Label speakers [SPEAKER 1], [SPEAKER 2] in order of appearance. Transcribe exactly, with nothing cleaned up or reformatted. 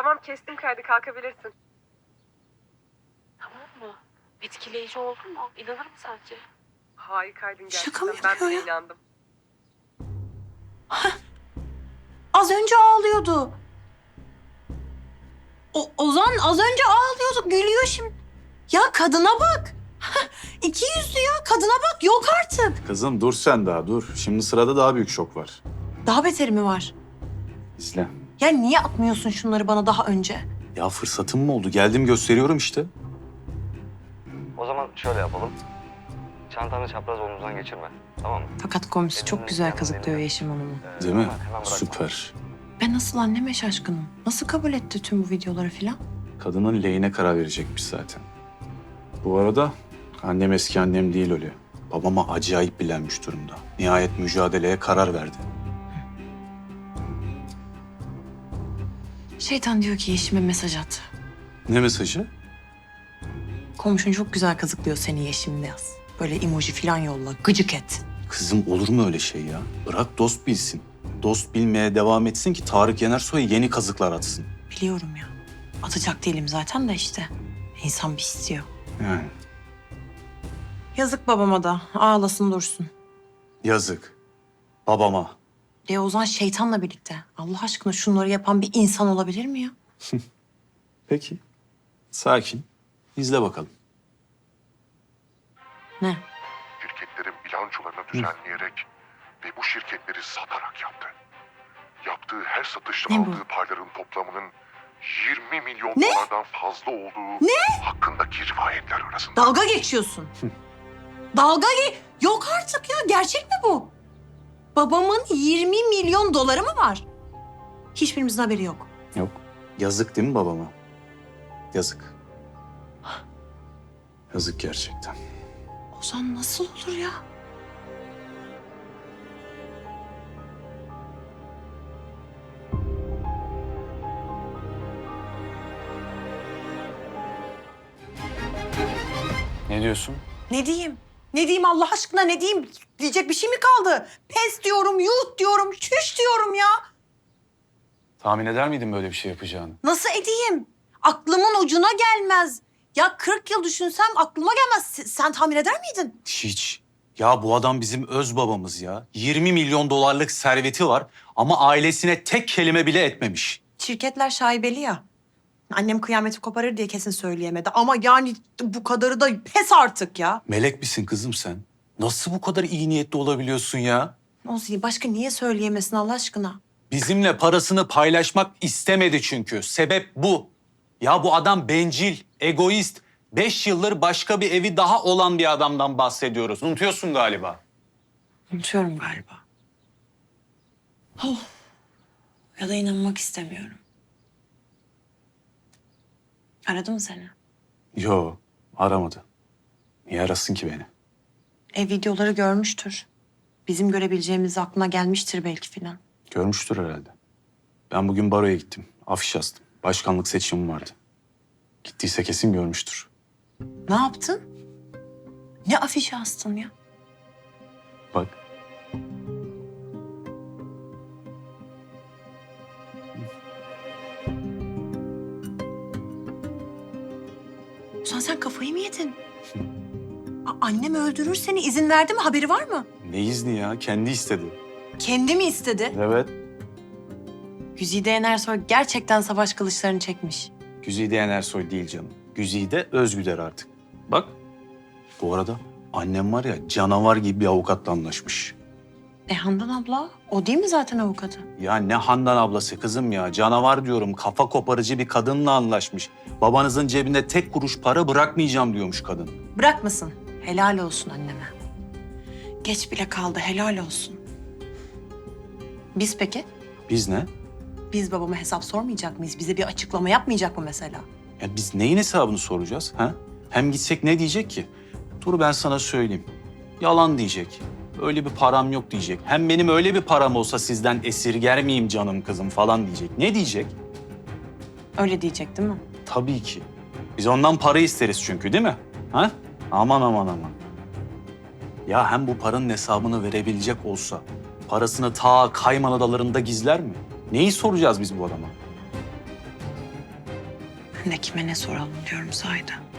[SPEAKER 1] Tamam kestim kaydı kalkabilirsin.
[SPEAKER 2] Tamam mı? Etkileyici oldu mu? İnanır mı sence?
[SPEAKER 1] Harikaydın gerçekten.
[SPEAKER 3] Şaka mı
[SPEAKER 1] Ben
[SPEAKER 3] yapıyor
[SPEAKER 1] de
[SPEAKER 3] ya?
[SPEAKER 1] inandım.
[SPEAKER 3] Az önce ağlıyordu. O, Ozan az önce ağlıyordu. Gülüyor şimdi. Ya kadına bak. İki yüzlü ya. Kadına bak. Yok artık.
[SPEAKER 4] Kızım dur sen daha dur. Şimdi sırada daha büyük şok var.
[SPEAKER 3] Daha beteri mi var?
[SPEAKER 4] İzle.
[SPEAKER 3] Ya niye atmıyorsun şunları bana daha önce?
[SPEAKER 4] Ya fırsatım mı oldu? Geldim gösteriyorum işte.
[SPEAKER 5] O zaman şöyle yapalım. Çantanı çapraz omuzdan geçirme. Tamam mı?
[SPEAKER 3] Fakat komşusu çok güzel kazıklıyor Yeşim Hanım'ı.
[SPEAKER 5] Ee,
[SPEAKER 4] Değil mi?
[SPEAKER 5] hemen- hemen bırakma.
[SPEAKER 4] Süper.
[SPEAKER 3] Ben nasıl anneme şaşkınım. Nasıl kabul etti tüm bu videoları filan?
[SPEAKER 4] Kadının lehine karar verecekmiş zaten. Bu arada annem eski annem değil öyle. Babama acayip bilenmiş durumda. Nihayet mücadeleye karar verdi.
[SPEAKER 3] Şeytan diyor ki Yeşim'e mesaj at.
[SPEAKER 4] Ne mesajı?
[SPEAKER 3] Komşun çok güzel kazıklıyor seni Yeşim'le yaz. Böyle emoji filan yolla. Gıcık et.
[SPEAKER 4] Kızım olur mu öyle şey ya? Bırak dost bilsin. Dost bilmeye devam etsin ki Tarık Yenersoy yeni kazıklar atsın.
[SPEAKER 3] Biliyorum ya. Atacak değilim zaten de işte. İnsan bir istiyor.
[SPEAKER 4] Yani
[SPEAKER 3] Yazık babama da. Ağlasın dursun.
[SPEAKER 4] yazık. Babama.
[SPEAKER 3] E Ozan şeytanla birlikte. Allah aşkına şunları yapan bir insan olabilir mi ya?
[SPEAKER 4] Peki. Sakin. İzle bakalım.
[SPEAKER 3] Ne?
[SPEAKER 6] Şirketlerin bilançolarını düzenleyerek ve bu şirketleri satarak yaptı. Yaptığı her satışta
[SPEAKER 3] Ne bu?
[SPEAKER 6] aldığı payların toplamının yirmi milyon
[SPEAKER 3] Ne?
[SPEAKER 6] dolardan fazla olduğu hakkındaki rivayetler arasında.
[SPEAKER 3] Dalga geçiyorsun. Dalga ge... Yok artık ya. Gerçek mi bu? Babamın yirmi milyon doları mı var? Hiçbirimizin haberi yok.
[SPEAKER 4] Yok. Yazık değil mi babama? Yazık. Yazık gerçekten.
[SPEAKER 3] Ozan nasıl olur ya?
[SPEAKER 4] Ne diyorsun?
[SPEAKER 3] Ne diyeyim? Ne diyeyim Allah aşkına ne diyeyim? Diyecek bir şey mi kaldı? Pes diyorum, yuh diyorum, çüş diyorum ya.
[SPEAKER 4] Tahmin eder miydin böyle bir şey yapacağını?
[SPEAKER 3] Nasıl edeyim? Aklımın ucuna gelmez. Ya kırk yıl düşünsem aklıma gelmez. Se- Sen tahmin eder miydin?
[SPEAKER 4] Hiç. Ya bu adam bizim öz babamız ya. yirmi milyon dolarlık serveti var ama ailesine tek kelime bile etmemiş.
[SPEAKER 3] Şirketler şaibeli ya. Annem kıyameti koparır diye kesin söyleyemedi. Ama yani bu kadarı da pes artık ya.
[SPEAKER 4] Melek misin kızım sen? Nasıl bu kadar iyi niyetli olabiliyorsun ya?
[SPEAKER 3] Olsun başka niye söyleyemesin Allah aşkına?
[SPEAKER 4] Bizimle parasını paylaşmak istemedi çünkü. Sebep bu. Ya bu adam bencil, egoist. Beş yıldır başka bir evi daha olan bir adamdan bahsediyoruz. Unutuyorsun galiba.
[SPEAKER 3] Unutuyorum galiba. Oh. Ya da inanmak istemiyorum. Aradı mı seni?
[SPEAKER 4] Yo, aramadı. Niye arasın ki beni?
[SPEAKER 3] E videoları görmüştür. Bizim görebileceğimiz aklına gelmiştir belki filan.
[SPEAKER 4] Görmüştür herhalde. Ben bugün baroya gittim. Afiş astım. Başkanlık seçimim vardı. Gittiyse kesin görmüştür.
[SPEAKER 3] Ne yaptın? Ne afişi astın ya?
[SPEAKER 4] Bak.
[SPEAKER 3] Ozan sen kafayı mı yedin? A- annem öldürür seni. İzin verdi mi? Haberi var mı?
[SPEAKER 4] Ne izni ya? Kendi istedi.
[SPEAKER 3] Kendi mi istedi?
[SPEAKER 4] Evet.
[SPEAKER 3] Güzide Yenersoy gerçekten savaş kılıçlarını çekmiş.
[SPEAKER 4] Güzide Yenersoy değil canım. Güzide Özgüder artık. Bak. Bu arada annem var ya canavar gibi bir avukatla anlaşmış.
[SPEAKER 3] E Handan abla, o değil mi zaten avukatı?
[SPEAKER 4] Ya ne Handan ablası kızım ya. Canavar diyorum. Kafa koparıcı bir kadınla anlaşmış. Babanızın cebinde tek kuruş para bırakmayacağım diyormuş kadın.
[SPEAKER 3] Bırakmasın. Helal olsun anneme. Geç bile kaldı, helal olsun. Biz peki?
[SPEAKER 4] Biz ne?
[SPEAKER 3] Biz babama hesap sormayacak mıyız? Bize bir açıklama yapmayacak mı mesela?
[SPEAKER 4] Ya biz neyin hesabını soracağız? Ha? Hem gitsek ne diyecek ki? Dur ben sana söyleyeyim. Yalan diyecek. Öyle bir param yok diyecek. Hem benim öyle bir param olsa sizden esirger miyim canım kızım falan diyecek. Ne diyecek?
[SPEAKER 3] Öyle diyecek değil mi?
[SPEAKER 4] Tabii ki. Biz ondan para isteriz çünkü değil mi? Ha? Aman aman aman. Ya hem bu paranın hesabını verebilecek olsa parasını ta Kayman Adaları'nda gizler mi? Neyi soracağız biz bu adama?
[SPEAKER 3] Ben de kime ne soralım diyorum sahiden.